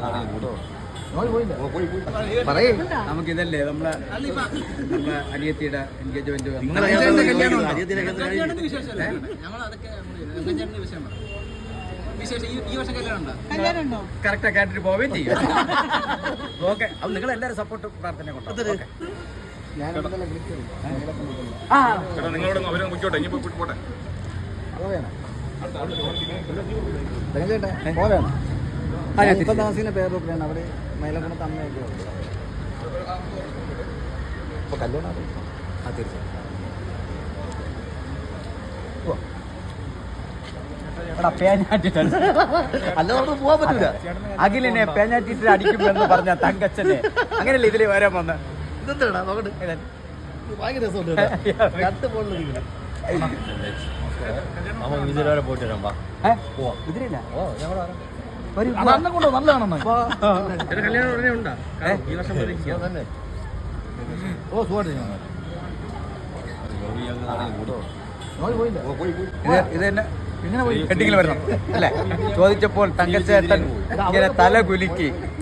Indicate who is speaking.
Speaker 1: നമുക്കിതല്ലേ നമ്മളെ അനിയത്തിയുടെ engagement correct ആയിട്ട് പോവുകയും ചെയ്യും. ഓക്കെ, അപ്പൊ നിങ്ങൾ എല്ലാവരും സപ്പോർട്ട് പ്രാർത്ഥന കൊണ്ടോ.
Speaker 2: ഇപ്പൊ താമസിക്കുന്ന പേരൊക്കെയാണ് അവിടെ മൈലക്കുണത്ത് അമ്മയൊക്കെ ഇപ്പൊ കല്യാണം. തീർച്ചയായും
Speaker 1: അല്ല, നമുക്ക് പോവാൻ പറ്റൂല. അഖിലിനെ പേഞ്ഞാറ്റിട്ട് അടിക്കുമെന്ന് പറഞ്ഞ തങ്കച്ചനെ അങ്ങനെയല്ലേ ഇതില് വരാൻ വന്ന.
Speaker 2: ഇതെന്താ നോക്കട്ടെ, ഭയങ്കര രസമുണ്ട്. രണ്ട് പോയിട്ടില്ല. കൊണ്ടോ നല്ലതാണെന്ന്. ഓ സുഖമായിട്ട്
Speaker 1: ഇത് തന്നെ ഹെഡിങ്ങിൽ വരണം അല്ലേ? ചോദിച്ചപ്പോൾ തങ്കച്ചേട്ടൻ ഇങ്ങനെ തല കുലുക്കി